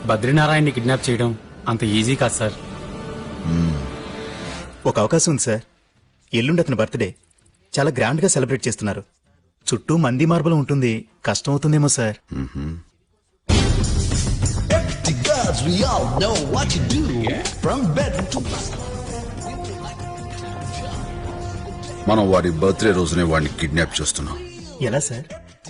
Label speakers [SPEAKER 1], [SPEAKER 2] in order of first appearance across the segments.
[SPEAKER 1] బద్రీనారాయణని kidnap చేయడం అంత easy కాదు సార్.
[SPEAKER 2] ఒక అవకాశం ఉంది సార్. ఎల్లుండి అతని బర్త్డే చాలా గ్రాండ్ గా సెలబ్రేట్ చేస్తున్నారు. చుట్టూ మంది మార్బలం ఉంటుంది, కష్టం అవుతుందేమో సార్.
[SPEAKER 3] మనం వాడి బర్త్డే రోజునే వాడిని కిడ్నాప్ చేస్తున్నాం.
[SPEAKER 2] ఎలా సార్?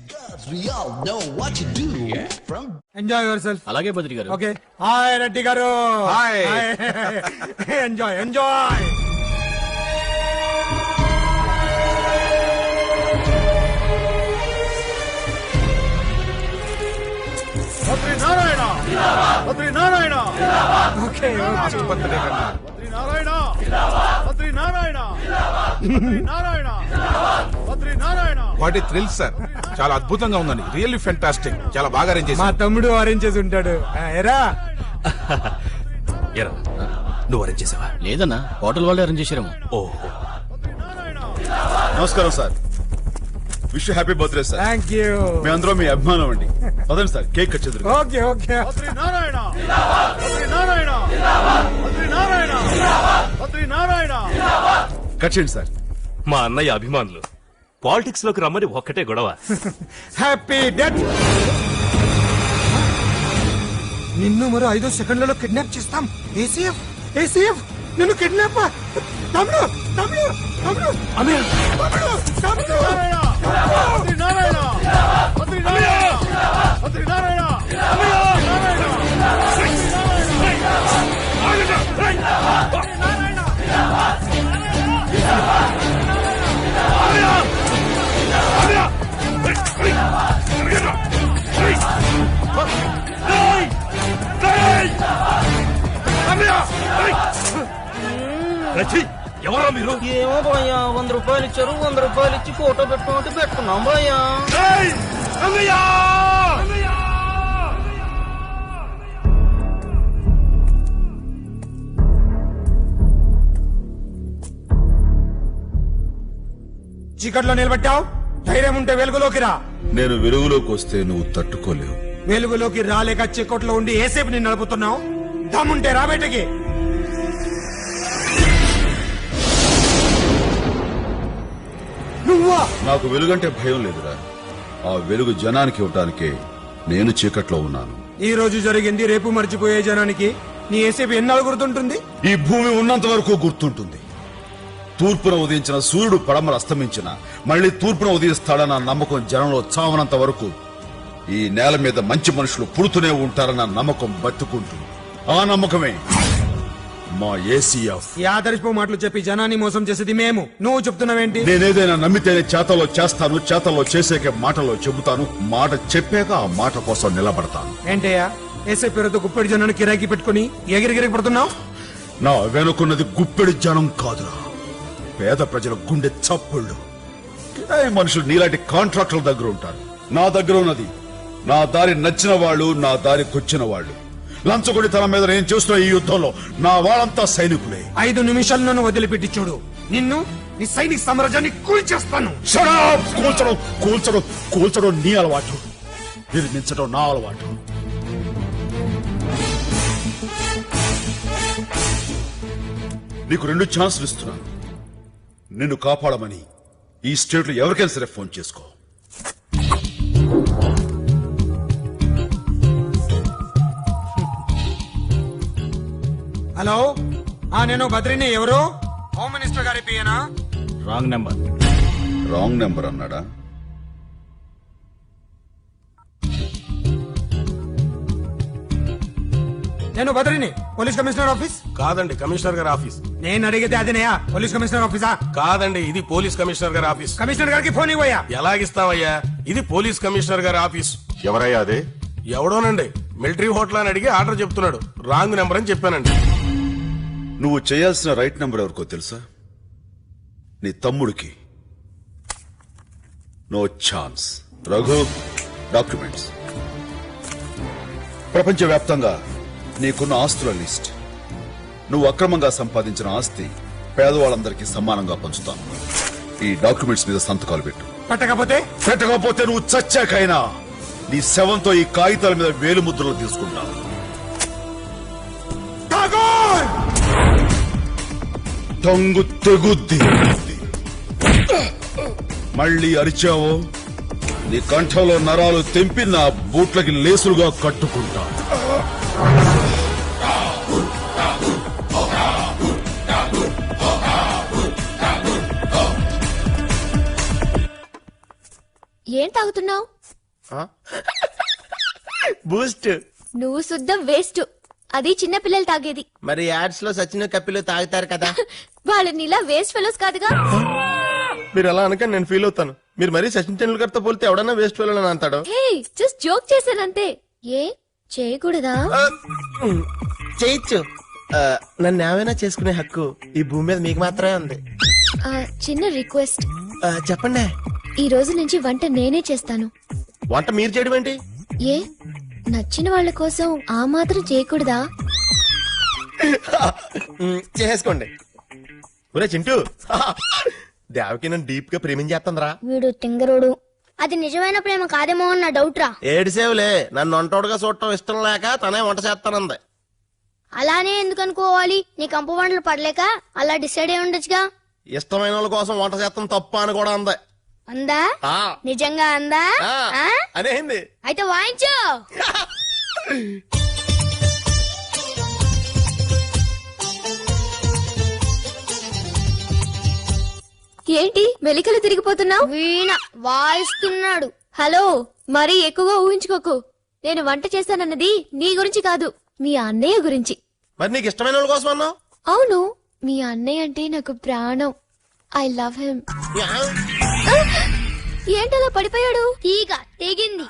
[SPEAKER 4] Enjoy your self.
[SPEAKER 1] అలాగే బద్రి గారు.
[SPEAKER 4] ఓకే. హాయ్ రెడ్డి గారు.
[SPEAKER 5] Hi.
[SPEAKER 4] Enjoy enjoy. Badrinarayana Badrinarayana. Okay Badrinarayana Badrinarayana Badrinarayana Badrinarayana.
[SPEAKER 5] What a thrill sir, చాలా అద్భుతంగా ఉందండి. Really fantastic. చాలా బాగా అరేంజ్
[SPEAKER 4] మా
[SPEAKER 5] చేశారు.
[SPEAKER 4] తమ్ముడు అరేంజ్ చేసి ఉంటాడు. ఎరా
[SPEAKER 6] నువ్వు అరేంజ్ చేసావా?
[SPEAKER 1] లేదన్నా, హోటల్ వాళ్ళే అరేంజ్ చేశారేమో.
[SPEAKER 6] ఓహో,
[SPEAKER 3] నమస్కారం sir. Wish happy birthday sir.
[SPEAKER 4] Thank you.
[SPEAKER 3] మీ అందరూ మీ అభిమానం అండి. పదండి సార్, కేక్ కట్ చేద్దాం.
[SPEAKER 4] ఓకే ఓకే.
[SPEAKER 2] బద్రీనారాయణ బద్రీనారాయణ బద్రీనారాయణ బద్రీనారాయణ.
[SPEAKER 3] కట్ చేయండి సార్.
[SPEAKER 6] మా అన్నయ్య అభిమానులు పాలిటిక్స్ లోకి రమ్మని ఒక్కటే గొడవ.
[SPEAKER 4] Happy death. నిన్ను మరో 5 సెకండ్లలో కిడ్నాప్ చేస్తాం. ఏసీఎఫ్ ఏసీఎఫ్ నిన్ను కిడ్నాప్. తమ్ముడు తమ్ముడు తమ్ముడు
[SPEAKER 6] అన్నయ్య,
[SPEAKER 4] తమ్ముడు తమ్ముడు.
[SPEAKER 2] బద్రీనారాయణ బద్రీనారాయణ బద్రీనారాయణ
[SPEAKER 6] ఎవరా మీరు?
[SPEAKER 7] ఏమో భయ్యా, 100 రూపాయలు ఇచ్చారు. 100 రూపాయలు ఇచ్చి ఫోటో పెట్టుకుంటే పెట్టుకున్నాం భయ్యా.
[SPEAKER 4] చీకట్లో నిలబెట్టావు. ధైర్యం ఉంటే వెలుగులోకి రా.
[SPEAKER 3] నేను వెలుగులోకి వస్తే నువ్వు తట్టుకోలేవు.
[SPEAKER 4] వెలుగులోకి రాలేక చీకట్లో ఉండి ఏసేపు నిన్ను నడుపుతున్నావు. దమ్ముంటే రా బయటకి. నువ్వా?
[SPEAKER 3] నాకు వెలుగంటే భయం లేదురా. ఆ వెలుగు జనానికి ఇవ్వటానికే నేను చీకట్లో ఉన్నాను.
[SPEAKER 4] ఈ రోజు జరిగింది రేపు మర్చిపోయే జనానికి నీ ఏసేపు ఎన్నాళ్ళు గుర్తుంటుంది?
[SPEAKER 3] ఈ భూమి ఉన్నంత వరకు గుర్తుంటుంది. తూర్పున ఉదయించిన సూర్యుడు పడమర అస్తమించిన మళ్లీ తూర్పున ఉదయిస్తాడన్న నమ్మకం జనంలో చావనంత వరకు ఈ నేల మీద మంచి మనుషులు పుడుతూనే ఉంటారన్న నమ్మకం బతుకుంటుంది. ఆ నమ్మకమే మా ఏసీఎఫ్.
[SPEAKER 4] ఈ ఆదర్శపు మాటలు చెప్పి జనాన్ని మోసం చేసేది మేము. నువ్వు చెప్తున్నావేంటి?
[SPEAKER 3] నేనేదైనా నమ్మితేనే చేతల్లో చేస్తాను, చేతల్లో చేసేకే మాటల్లో చెబుతాను, మాట చెప్పాక ఆ మాట కోసం నిలబడతాను.
[SPEAKER 4] ఏంటయ్యా, ఏసే పేరుతో గుప్పెడి జనాన్ని కిరాకి పెట్టుకుని ఎగిరిగిరి పడుతున్నావు?
[SPEAKER 3] నా వెనుకున్నది గుప్పెడి జనం కాదురా, పేద ప్రజల గుండె చప్పుళ్ళు. కిరాయి మనుషులు నీలాంటి కాంట్రాక్టర్ల దగ్గర ఉంటారు. నా దగ్గర ఉన్నది నా దారి నచ్చిన వాళ్ళు, నా దారికొచ్చిన వాళ్ళు. లంచగొడి తన మీద నేను చూస్తున్న ఈ యుద్ధంలో నా వాళ్ళంతా సైనికులే.
[SPEAKER 4] 5 నిమిషాలు నన్ను వదిలిపెట్టి చూడు, నిన్ను నీ సైనిక సామ్రాజ్యాన్ని కూల్చేస్తాను.
[SPEAKER 3] కూల్చడం కూల్చడం కూల్చడం నీ అలవాటు, నిర్మించడం నా అలవాటు. నీకు 2 ఛాన్సులు ఇస్తున్నాను. నిన్ను కాపాడమని ఈ స్టేట్ లో ఎవరికైనా సరే ఫోన్ చేసుకో.
[SPEAKER 4] హలో, నేను బద్రిని. ఎవరు? హోమ్ మినిస్టర్ గారి పియనా?
[SPEAKER 1] Wrong number.
[SPEAKER 3] రాంగ్ నెంబర్ అన్నాడా?
[SPEAKER 4] నేను బద్రిని, పోలీస్ కమిషనర్ ఆఫీస్.
[SPEAKER 5] కాదండి, కమిషనర్ గారి ఆఫీస్.
[SPEAKER 4] నేను అడిగితే అదేనయా, పోలీస్ కమిషనర్ ఆఫీసా?
[SPEAKER 5] కాదండి, ఇది పోలీస్ కమిషనర్ గారి ఆఫీస్.
[SPEAKER 4] కమిషనర్ గారికి ఫోన్ ఇవ్వయా.
[SPEAKER 5] ఎలాగిస్తావయ్యా, ఇది పోలీస్ కమిషనర్ గారి ఆఫీస్.
[SPEAKER 3] ఎవరయ్యా అదే?
[SPEAKER 5] ఎవడోనండి, మిలిటరీ హోటల్ అని అడిగి ఆర్డర్ చెప్తున్నాడు. రాంగ్ నెంబర్ అని చెప్పానండి.
[SPEAKER 3] నువ్వు చేయాల్సిన రైట్ నెంబర్ ఎవరికో తెలుసా? నీ తమ్ముడికి. No chance. రఘు, డాక్యుమెంట్స్. ప్రపంచవ్యాప్తంగా నీకున్న ఆస్తుల లిస్ట్. నువ్వు అక్రమంగా సంపాదించిన ఆస్తి పేదవాళ్ళందరికీ సమానంగా పంచుతాను. ఈ డాక్యుమెంట్స్ మీద సంతకాలు పెట్టు.
[SPEAKER 4] పెట్టకపోతే
[SPEAKER 3] నువ్వు చచ్చాకైనా నీ శవంతో ఈ కాగితాల మీద వేలు ముద్రలు తీసుకుంటాను. టంగు తెగుద్ది. మళ్ళీ అరిచావో నీ కంఠంలో నరాలు తెంపి నా బూట్లకి లేసులుగా కట్టుకుంటా.
[SPEAKER 8] ఏం తాగుతున్నావు?
[SPEAKER 5] బూస్ట్.
[SPEAKER 8] నువ్వు శుద్ధం వేస్ట్. అది చిన్న పిల్లలు తాగేది.
[SPEAKER 5] మరి యాడ్స్ లో సచిన కప్పిలు తాగుతారు కదా.
[SPEAKER 8] వాళ్ళని ఇలా వేస్ట్ ఫెలోస్ కాదుగా.
[SPEAKER 5] మీరు అలా అనక నేను ఫీల్ అవుతాను. మీరు మరీ సచిన్ టెండూల్కర్ తో పోలితే ఎవడన్నా వేస్ట్ వెళ్ళని అంటాడు.
[SPEAKER 8] హే జస్ట్ జోక్ చేశానంతే. ఏ చేయకూడదా?
[SPEAKER 5] చేయొచ్చు. నన్ను ఏమైనా చేసుకునే హక్కు ఈ భూమి మీద మీకు మాత్రమే ఉంది.
[SPEAKER 8] చిన్న రిక్వెస్ట్.
[SPEAKER 5] చెప్పండి.
[SPEAKER 8] ఈ రోజు నుంచి వంట నేనే చేస్తాను.
[SPEAKER 5] వంట మీరు చేయడం ఏంటి?
[SPEAKER 8] ఏ నచ్చిన వాళ్ళ కోసం ఆ మాత్రం చేయకూడదా?
[SPEAKER 5] చేసుకోండి. ఒరే చింటూ, దేవకి నన్ను డీప్ గా ప్రేమించేస్తుందిరా.
[SPEAKER 9] వీడు తింగరుడు. అది నిజమైన ప్రేమ కాదేమో అన్న డౌట్ రా.
[SPEAKER 5] ఏడిసేవులే, నన్ను వంటోడుగా చూడటం ఇష్టం లేక తనే వంట చేస్తానంది.
[SPEAKER 9] అలానే ఎందుకు అనుకోవాలి? నీ కంపు వంటలు పడలేక అలా డిసైడ్ అయి ఉండొచ్చుగా.
[SPEAKER 5] ఇష్టమైన వాళ్ళ కోసం వంట చేస్తాం తప్ప అని కూడా అంది.
[SPEAKER 9] అందా?
[SPEAKER 5] ఆ,
[SPEAKER 9] నిజంగా అందా? ఆ?
[SPEAKER 5] అనేసింది.
[SPEAKER 9] అయితే వాయించు.
[SPEAKER 8] ఏంటి మెలికలు తిరిగిపోతున్నావు?
[SPEAKER 9] వీణ వాయిస్తున్నాడు.
[SPEAKER 8] హలో, మరీ ఎక్కువగా ఊహించుకోకు. నేను వంట చేశానన్నది నీ గురించి కాదు, మీ అన్నయ్య గురించి.
[SPEAKER 5] మరి నీకు ఇష్టమైన వాళ్ళ కోసం అన్నావు.
[SPEAKER 8] అవును, మీ అన్నయ్య అంటే నాకు ప్రాణం. I love him. ఏంటలా పడిపోయాడు?
[SPEAKER 9] తీగ తెగింది.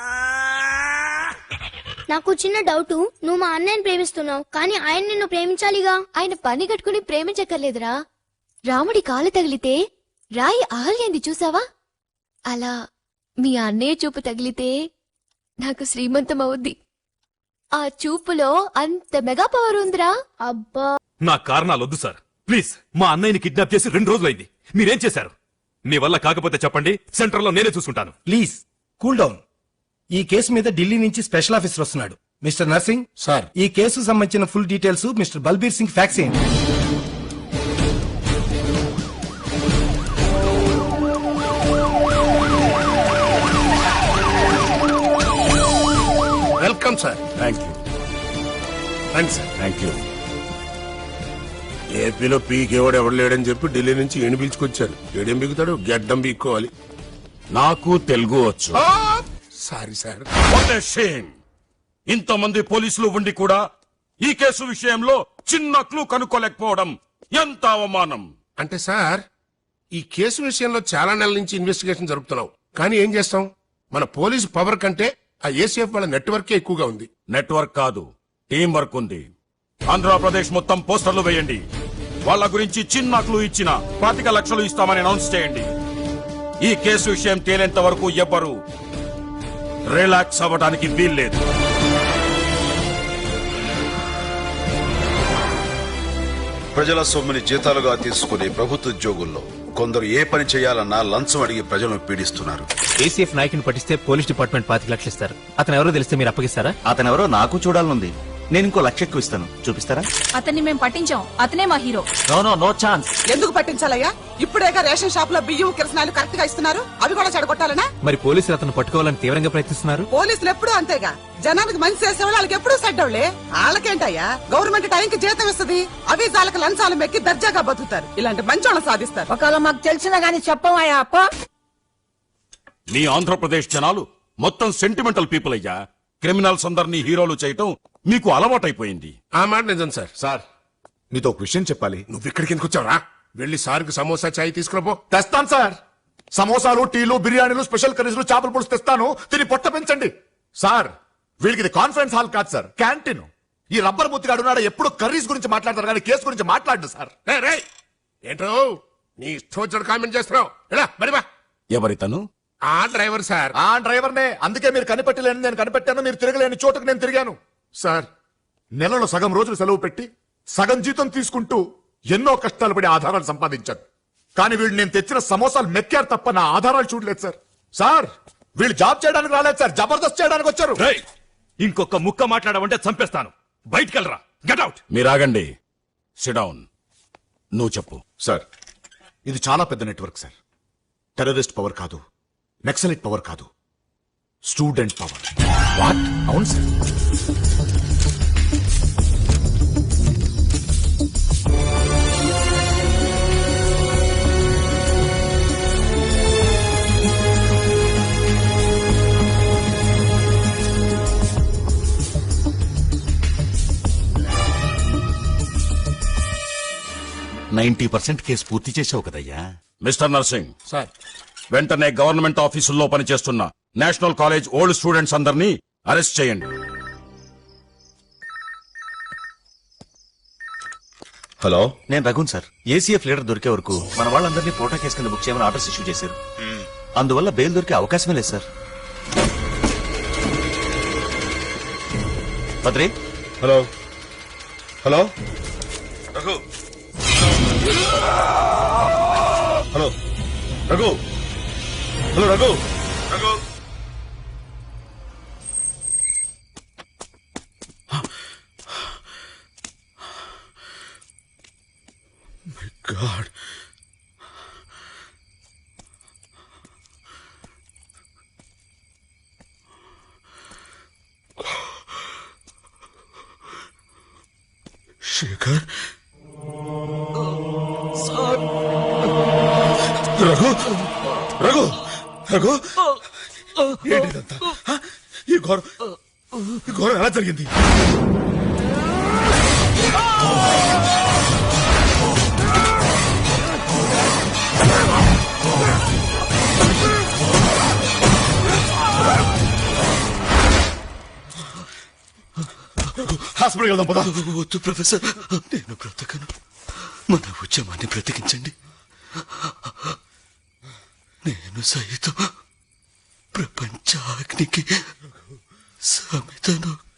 [SPEAKER 9] నాకు చిన్న డౌట్. నువ్వు మా అన్నయ్యని ప్రేమిస్తున్నావు, కానీ ఆయన నిన్ను ప్రేమించాలిగా.
[SPEAKER 8] ఆయన పని కట్టుకుని ప్రేమించక్కర్లేదురా. రాముడి కాలు తగిలితే రాయి ఆహ్లింది చూసావా? అలా మీ అన్నయ్య చూపు తగిలితే నాకు శ్రీమంతం అవుద్ది. ఆ చూపులో అంత మెగా పవర్ ఉందిరా.
[SPEAKER 9] అబ్బా,
[SPEAKER 6] నా కారణాలు వద్దు సార్, ప్లీజ్. మా అన్నయ్యని కిడ్నాప్ చేసి 2 రోజులైంది. మీరేం చేశారు? మీ వల్ల కాకపోతే చెప్పండి, సెంటర్ లో నేనే చూసుకుంటాను.
[SPEAKER 4] Please cool down. ఈ కేసు మీద ఢిల్లీ నుంచి స్పెషల్ ఆఫీసర్ వస్తున్నాడు. మిస్టర్ నర్సింగ్
[SPEAKER 3] సార్,
[SPEAKER 4] ఈ కేసు సంబంధించిన full details mister Balbir Singh fax చేయండి.
[SPEAKER 5] Welcome sir.
[SPEAKER 3] Thank you.
[SPEAKER 5] రండి సార్.
[SPEAKER 3] Thank you.
[SPEAKER 10] ఏపీలో పీకేవాడు ఎవడు లేడని చెప్పి ఢిల్లీ నుంచి ఈయన పిలుచుకొచ్చారు. ఏడేం బిగుతాడు, గడ్డం పీక్కోవాలి.
[SPEAKER 3] నాకు తెలుగు వచ్చు.
[SPEAKER 10] Sorry sir.
[SPEAKER 3] What a shame. ఇంతమంది పోలీసులు ఉండి కూడా ఈ కేసు విషయంలో చిన్న క్లూ కనుక్కోలేకపోవడం ఎంత అవమానం.
[SPEAKER 10] అంటే సార్, ఈ కేసు విషయంలో చాలా నెలల నుంచి ఇన్వెస్టిగేషన్ జరుపుతున్నాం. కానీ ఏం చేస్తాం, మన పోలీసు పవర్ కంటే ఆ ఏసీఎఫ్ వాళ్ళ నెట్వర్కే ఎక్కువగా ఉంది.
[SPEAKER 3] నెట్వర్క్ కాదు, టీం వర్క్ ఉంది. ఆంధ్రప్రదేశ్ మొత్తం పోస్టర్లు వేయండి. వాళ్ళ గురించి చిన్న క్లూ ఇచ్చిన 25 లక్షలు ఇస్తామని అనౌన్స్ చేయండి. ఈ కేసు విషయం తేలేంత వరకు ఎవ్వరూ రిలాక్స్ అవ్వడానికి వీల్లేదు. ప్రజల సొమ్ముని జీతాలుగా తీసుకునే ప్రభుత్వ ఉద్యోగుల్లో కొందరు ఏ పని చేయాలన్నా లంచం అడిగి ప్రజలను పీడిస్తున్నారు.
[SPEAKER 1] ఏసీఎఫ్ నాయకుని పట్టిస్తే పోలీస్ డిపార్ట్మెంట్ 25 లక్షలు ఇస్తారు. అతను ఎవరో తెలిస్తే మీరు అప్పగిస్తారా?
[SPEAKER 2] అతనెవరో నాకు చూడాలనుంది. నేను ఇంకో 1 లక్ష ఎక్కువ ఇస్తాను. చూపిస్తారా?
[SPEAKER 11] అతన్ని మేము పట్టించాం. అతనే మా హీరో.
[SPEAKER 2] No chance.
[SPEAKER 11] ఎందుకు పట్టించాలయ్యా? ఇప్పుడేగా రేషన్ షాప్ లో బియ్యం కిరసనాలు కరెక్ట్ గా ఇస్తున్నారు. అవి కూడా చెడగొట్టాలనా?
[SPEAKER 1] మరి పోలీసులు అతను పట్టుకోవాలని తీవ్రంగా ప్రయత్నిస్తున్నారు.
[SPEAKER 11] పోలీసులు ఎప్పుడూ అంతేగా. జనానికి మంచి చేసే వాళ్ళకి ఎప్పుడూ సడ్డవులే. వాళ్ళకేంటయ్యా, గవర్నమెంట్ టైంకి జీతం ఇస్తుంది. అవి వాళ్ళకి లంచాలు మెక్కి దర్జాగా బతుకుతారు. ఇలాంటి మంచోళ్ళని సాధిస్తారు. ఒకవేళ మాకు తెలిసినా గానీ చెప్పవయ్యా అప్ప.
[SPEAKER 3] మీ ఆంధ్రప్రదేశ్ జనాలు మొత్తం సెంటిమెంటల్ పీపుల్ అయ్యా. క్రిమినల్స్ అందరినీ హీరోలు చేయటం మీకు అలవాటైపోయింది.
[SPEAKER 10] ఆ మాట నిజం సార్.
[SPEAKER 3] సార్, మీతో ఒక విషయం చెప్పాలి.
[SPEAKER 10] నువ్వు ఇక్కడికి ఎందుకు వచ్చావురా? వెళ్ళి సార్కి సమోసా చాయ్ తీసుకురాపో.
[SPEAKER 3] తెస్తాను సార్. సమోసాలు, టీలు, బిర్యానీలు, స్పెషల్ కర్రీలు, చేపల పులుసు తెస్తాను. తిని పొట్ట పెంచండి. సార్, వీళ్ళకి ఇది కాన్ఫరెన్స్ హాల్ కాదు సార్, క్యాంటీన్. ఈ రబ్బర్ ముత్తిగా అడుగునాడ ఎప్పుడు కర్రీస్ గురించి మాట్లాడతారు కానీ కేసు గురించి మాట్లాడు సార్.
[SPEAKER 10] ఏంటో నీ ఇష్టం వచ్చిన కామెంట్ చేస్తున్నావు. ఎలా మరి బా.
[SPEAKER 3] ఎవరితను?
[SPEAKER 10] ఆ డ్రైవర్ సార్.
[SPEAKER 3] ఆ డ్రైవర్నే. అందుకే మీరు కనిపెట్టలేని నేను కనిపెట్టాను, మీరు తిరగలేని చోటుకు నేను తిరిగాను.
[SPEAKER 10] సార్,
[SPEAKER 3] నెలలో సగం రోజులు సెలవు పెట్టి సగం జీతం తీసుకుంటూ ఎన్నో కష్టాలు పడి ఆధారాలు సంపాదించాను. కానీ వీళ్ళు నేను తెచ్చిన సమోసాలు మెక్కారు తప్ప నా ఆధారాలు చూడలేదు సార్. సార్, వీళ్ళు జాబ్ చేయడానికి రాలేదు సార్, జబర్దస్త్ చేయడానికి వచ్చారు.
[SPEAKER 6] ఇంకొక ముక్క మాట్లాడమంటే చంపేస్తాను. బయటికెళ్ళరా, గెట్ అవుట్.
[SPEAKER 3] మీరు ఆగండి. Sit down. నువ్వు చెప్పు.
[SPEAKER 12] సార్ ఇది చాలా పెద్ద నెట్వర్క్ సార్. టెర్రరిస్ట్ పవర్ కాదు, నక్సలైట్ పవర్ కాదు, స్టూడెంట్ పవర్.
[SPEAKER 2] వాట్? అవును సార్.
[SPEAKER 12] కేసు పూర్తి చేసావు కదయ్యా.
[SPEAKER 3] మిస్టర్ నర్సింగ్,
[SPEAKER 10] సార్
[SPEAKER 3] వెంటనే గవర్నమెంట్ ఆఫీసుల్లో పనిచేస్తున్న నేషనల్ కాలేజ్ ఓల్డ్ స్టూడెంట్స్ అందరినీ అరెస్ట్ చేయండి. హలో,
[SPEAKER 2] నేను రఘున్ సార్. ఏసీఎఫ్ లీడర్ దొరికే వరకు మన వాళ్ళందరినీ పోటా కేసు కింద బుక్ చేయమని ఆర్డర్స్ ఇష్యూ చేశారు. అందువల్ల బెయిల్ దొరికే అవకాశమే లేదు sir. Badri,
[SPEAKER 3] hello, hello, Raghu, hello, Raghu, hello, Raghu, Raghu. My god, Shekhar, Raghu, Raghu, Raghu, ఏంటిదంతా? ఈ ఘోరం ఎలా జరిగింది? హాస్పిటల్కి వెళ్దాం పదా.
[SPEAKER 2] వద్దు ప్రొఫెసర్, నేను బ్రతకను. మన ఉద్యమాన్ని బ్రతికించండి. నేను సైతం ప్రపంచాగ్నికి సమితను